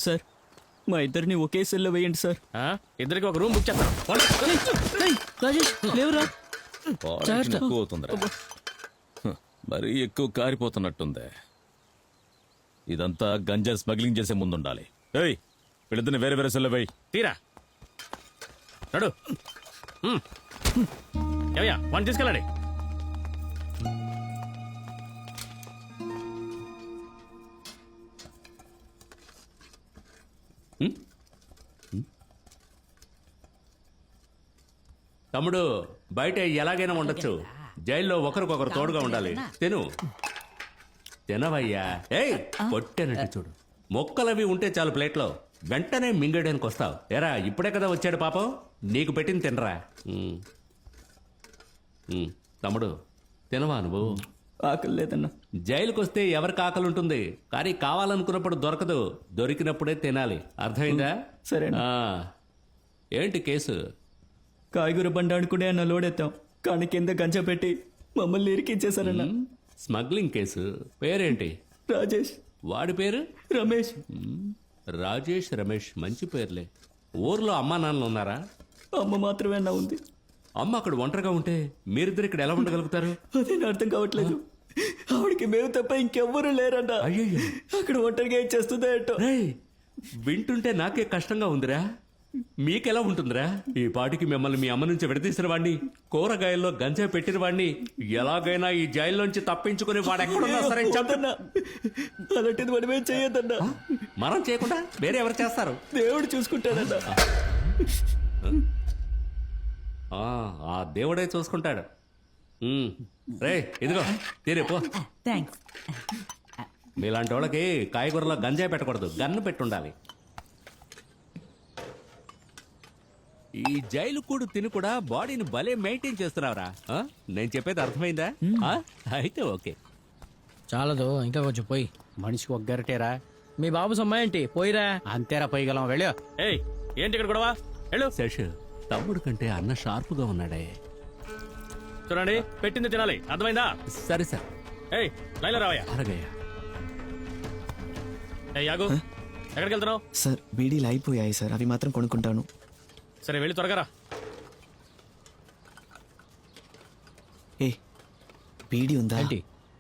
Sir మా ఇద్దరిని ఒకే సెల్లో వేయండి సార్. ఇద్దరికి ఒక రూమ్ బుక్ చేస్తాను. రాజేష్ లేవురా. ఎక్కువ అవుతుందిరా, మరీ ఎక్కువ కారిపోతున్నట్టుంది. ఇదంతా గంజా స్మగ్లింగ్ చేసే ముందుండాలి. ఏయ్ వీళ్ళిద్దరిని వేరే వేరే సెల్లో వేయి. తీరా నడు. ఏమయ్యా వాడిని తీసుకెళ్ళండి. తమ్ముడు బయట ఎలాగైనా ఉండొచ్చు, జైల్లో ఒకరికొకరు తోడుగా ఉండాలి. తినవయ్యా. ఏయ్ పొట్టేనట్టు చూడు, మొక్కలవి ఉంటే చాలు ప్లేట్లో, వెంటనే మింగడానికి వస్తావు. ఎరా ఇప్పుడే కదా వచ్చాడు పాపం, నీకు పెట్టింది తినరా. తమ్ముడు తినవా నువ్వు? ఆకలి లేదన్నా. జైలుకి వస్తే ఎవరికి ఆకలి ఉంటుంది, కానీ కావాలనుకున్నప్పుడు దొరకదు, దొరికినప్పుడే తినాలి. అర్థమైందా? సరే. ఏంటి కేసు? కాయగూర బండి ఆడుకునే అన్న లోడెత్తాం, కానీ కింద గంజా పెట్టి మమ్మల్ని ఇరికించేశారన్నా. Smuggling case. పేరేంటి? రాజేష్. వాడి పేరు? రమేష్. రాజేష్, రమేష్ మంచి పేర్లే. ఊర్లో అమ్మా నాన్నలు ఉన్నారా? అమ్మ మాత్రమే అన్నా ఉంది. అమ్మ అక్కడ ఒంటరిగా ఉంటే మీరిద్దరు ఇక్కడ ఎలా ఉండగలుగుతారు? అదే నా అర్థం కావట్లేదు. ఆవిడకి మేము తప్ప ఇంకెవ్వరూ లేరన్నా. అయ్యయ్యో, అక్కడ ఒంటరిగా ఏం చేస్తుందో ఏంటో. వింటుంటే నాకే కష్టంగా ఉందిరా. మీకెలా ఉంటుందిరా? ఈ పాటికి మిమ్మల్ని మీ అమ్మ నుంచి విడదీసిన వాడిని, కూరగాయల్లో గంజా పెట్టిన వాడిని ఎలాగైనా ఈ జైల్లోంచి తప్పించుకుని వాడు ఎక్కడున్నా సరే చంపన్నా. అలాంటిది మనమేం చేయొద్దన్నా. మనం చేయకుండా వేరే ఎవరు చేస్తారు? దేవుడు చూసుకుంటాడన్నా. ఆ దేవుడే చూసుకుంటాడు. రే ఇదిగో తీరే పో. మీలాంటి వాళ్ళకి కాయగూరలో గంజాయి పెట్టకూడదు, గన్ను పెట్టుండాలి. ఈ జైలు కూడు తిని కూడా బాడీని భలే మెయింటైన్ చేస్తున్నావురా. నేను చెప్పేది అర్థమైందా? అయితే ఓకే. చాలదు, ఇంకా కొంచెం పోయి. మనిషికి ఒక గరిటేరా. మీ బాబు సొమ్మాయంటి పోయిరా. అంతేరా పోయగలం. వెళ్ళా. ఏయ్ ఏంటి ఇక్కడ గొడవ? వెళ్ళు. శేష్ తమ్ముడు కంటే అన్న షార్ప్గా ఉన్నాడే. చూడండి పెట్టింది తినాలి, అర్థమైందా? సరే సార్. ఏయ్ లైలా రావయ్యా. అలాగయ్యా. ఏయ్ యాగు, ఎక్కడికి వెళ్తున్నావు? సార్ బీడీలు అయిపోయాయి సార్, అవి మాత్రం కొనుక్కుంటాను. సరే వెళ్ళి త్వరగా రా. ఏ బీడీ ఉందా? ఏంటి?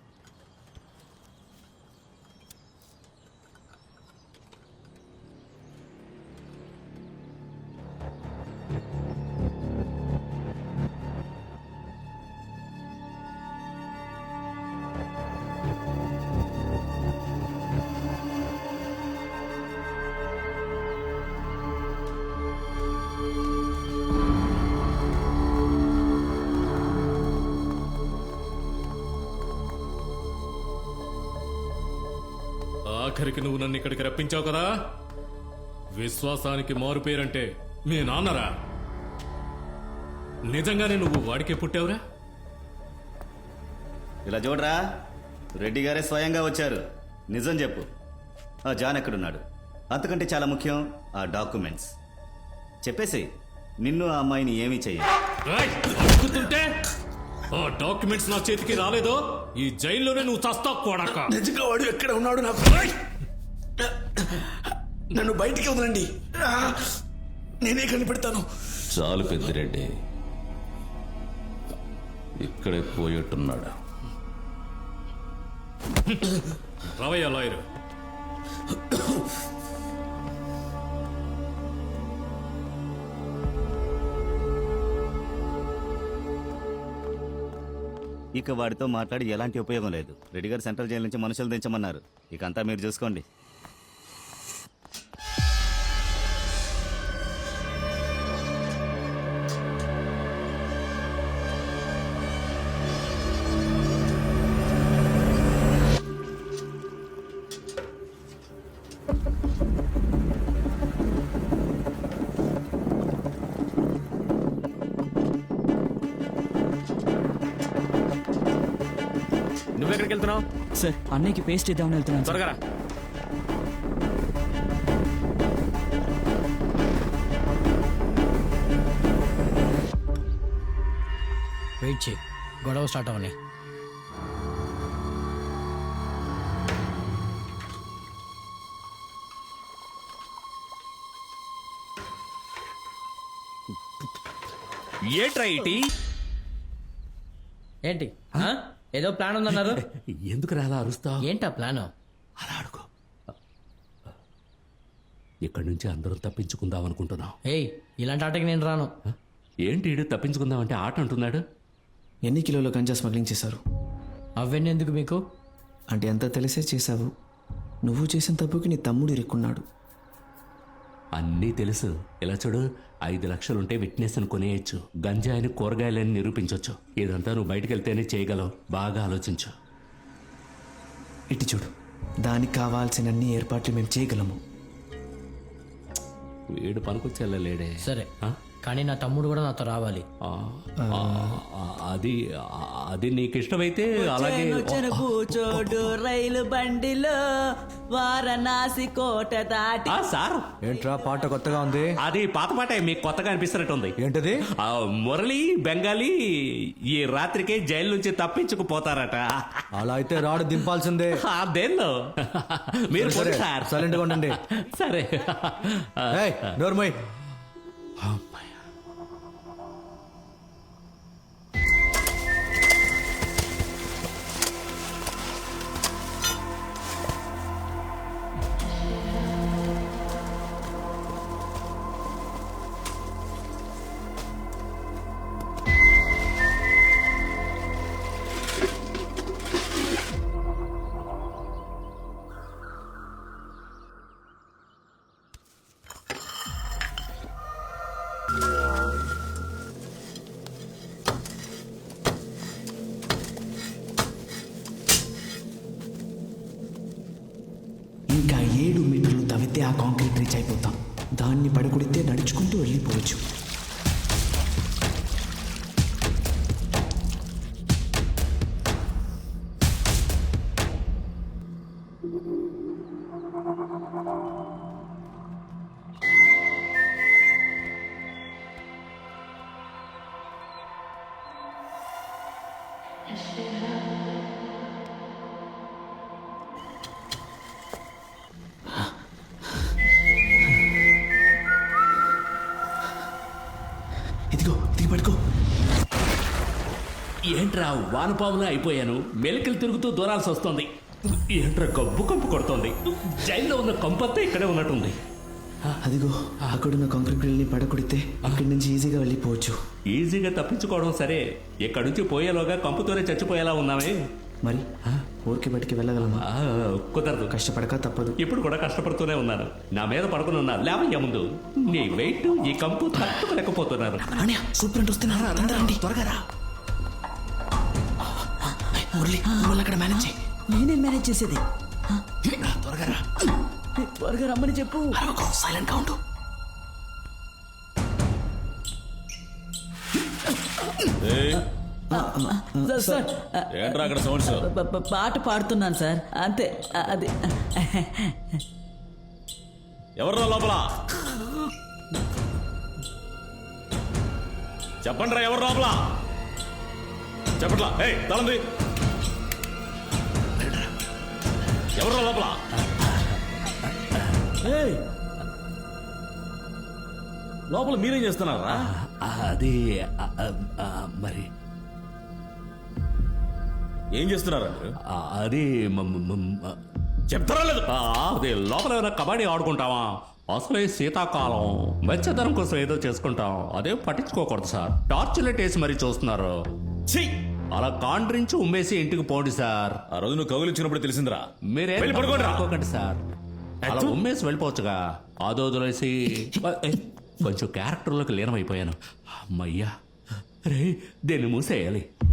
ఆఖరికి నువ్వు నన్ను ఇక్కడికి రప్పించావు కదా, విశ్వాసానికి మారు పేరంటే మీ నాన్నరా? నిజంగానే నువ్వు వాడికే పుట్టావురా? ఇలా చూడరా, రెడ్డి గారే స్వయంగా వచ్చారు. నిజం చెప్పు, ఆ జాన్ ఎక్కడున్నాడు? అంతకంటే చాలా ముఖ్యం ఆ డాక్యుమెంట్స్. చెప్పేసి నిన్ను ఆ అమ్మాయిని ఏమీ చెయ్యకుంటే ఆ డాక్యుమెంట్స్ నా చేతికి రాలేదో ఈ జైల్లోనే నువ్వు చస్తావు కొడక. నిజంగా వాడు ఎక్కడ ఉన్నాడు? నాకు నన్ను బయటికి వదలండి, నేనే కనిపెడతాను. చాలు పెద్దిరెడ్డి, ఇక్కడే పోయేట్టున్నాడు. రావయ్యా లాయరు. ఇక వాడితో మాట్లాడి ఎలాంటి ఉపయోగం లేదు. రెడ్డి గారు సెంట్రల్ జైలు నుంచి మనుషులు దించమన్నారు. ఇక అంతా మీరు చూసుకోండి. నువ్వెక్కడికి వెళ్తున్నావు? సార్ అన్నయ్యకి పేస్ట్ ఇద్దామని వెళ్తున్నాను. త్వరగా రా. వెయిట్ చేయి, గొడవ స్టార్ట్ అవని. ఏట్రా ఇటీ ఏంటి ఆ? ఏదో ప్లాన్ ఉందన్నారు ఎందుకు రాలా అరుస్తా ఏంటా ప్లాన్? అలా అడుగు. ఇక్కడి నుంచి అందరం తప్పించుకుందాం అనుకుంటున్నాం. ఏయ్ ఇలాంటి ఆటకి నేను రాను. ఏంటి ఈడు తప్పించుకుందాం అంటే ఆట అంటున్నాడు. ఎన్ని కిలోల గంజా స్మగ్లింగ్ చేశారు? అవన్నీ ఎందుకు మీకు? అంటే అంతా తెలిసే చేశావు. నువ్వు చేసిన తప్పుకి నీ తమ్ముడు ఇరుక్కున్నాడు. అన్నీ తెలుసు. ఇలా చూడు, 5 లక్షలుంటే విట్నెస్ అని కొనేయచ్చు, గంజాయిని కూరగాయలని నిరూపించవచ్చు. ఇదంతా నువ్వు బయటకు వెళ్తేనే చేయగలవు. బాగా ఆలోచించు. ఇటు చూడు, దానికి కావాల్సిన ఏర్పాట్లు మేము చేయగలము. వీడు పనికొచ్చేళ్ళలేడే. సరే కానీ నా తమ్ముడు కూడా నాతో రావాలి. అది నీకు ఇష్టమైతే అలాగే. కూచోడు రైలు బండిలో వారణాసి కోట దాటి. సార్ ఏంట్రా పాట కొత్తగా ఉంది? అది పాత పాటే, మీకు కొత్తగా అనిపిస్తున్నట్టుంది. ఏంటది? మురళి బెంగాలీ ఈ రాత్రికే జైలు నుంచి తప్పించుకుపోతారట. అలా అయితే రాడు దింపాల్సిందే. దేనిలో మీరు సరే, సార్ silent గా ఉండండి. సరే. ఏయ్, నోర్మోయ్. ఇంకా 7 మీటర్లు తవ్వితే ఆ కాంక్రీట్ రీచ్ అయిపోతాం. దాన్ని పడగొడితే నడుచుకుంటూ వెళ్ళిపోవచ్చు. ఇదిగో దిగి పడుకో. ఏంట్రా వానపాములా అయిపోయాను. మెలికలు తిరుగుతూ దూరాల్సి వస్తుంది. ఏంట్రా గబ్బు కంపు కొడుతోంది. జైల్లో ఉన్న కంపంతా ఇక్కడే ఉన్నట్టుంది. అదిగో అక్కడున్న కాంక్రీట్ బిల్ని పడగొడితే అక్కడి నుంచి ఈజీగా వెళ్ళిపోవచ్చు. ఈజీగా తప్పించుకోవడం సరే, ఇక్కడి నుంచి పోయేలోగా కంపుతోనే చచ్చిపోయేలా ఉన్నామే. మరి ఊరికి బయటికి వెళ్ళగలమా? కుదరదు. కష్టపడక తప్పదు. ఇప్పుడు కూడా కష్టపడుతూనే ఉన్నాను. నా మీద పడుకుని ఉన్నా లేవయ్యా ముందు. నీ వెయిట్ ఈ కంపు తట్టుకోలేకపోతున్నాను. సూపర్ వస్తున్నారా? రండి త్వరగా రా. మురళి నువ్వు అక్కడ మేనేజ్ చేయి. నేనే మేనేజ్ చేసేది. త్వరగా రా. త్వరగా రమ్మని చెప్పు. సైలెంట్ గా ఉండు. సార్ ఏంట్రా అక్కడ సౌండ్స్? పాట పాడుతున్నాను సార్, అంతే. అది ఎవర్రా లోపల? చెప్పండి రా, ఎవరు లోపల? చెప్పట్లా? ఏయ్ తలంది, ఎవర్రా లోపల? లోపల మీరేం చేస్తున్నారా? అది మరి ఏం చేస్తున్నారా మీరు? అది చెప్తారా లేదు? అదే లోపల ఏమైనా కబడ్డీ ఆడుకుంటావా? అసలే శీతాకాలం, వెచ్చదనం కోసం ఏదో చేసుకుంటాం. అదే పట్టించుకోకూడదు సార్. టార్చ్ లైట్ వేసి మరీ చూస్తున్నారు. ఛీ! అలా కాండ్రించి ఉమ్మేసి ఇంటికి పోండి సార్. ఆ రోజు నువ్వు కౌలిచ్చినప్పుడు తెలిసిందిరా. మీరేం వెళ్ళి పడుకోండి రా. అనుకోకండి సార్. అలా ఉమ్మేసి వెళ్ళిపోవచ్చుగా. ఆదోదులేసి కొంచెం క్యారెక్టర్లోకి లీనమైపోయాను. అమ్మయ్యా రే, దీన్ని మూసేయాలి.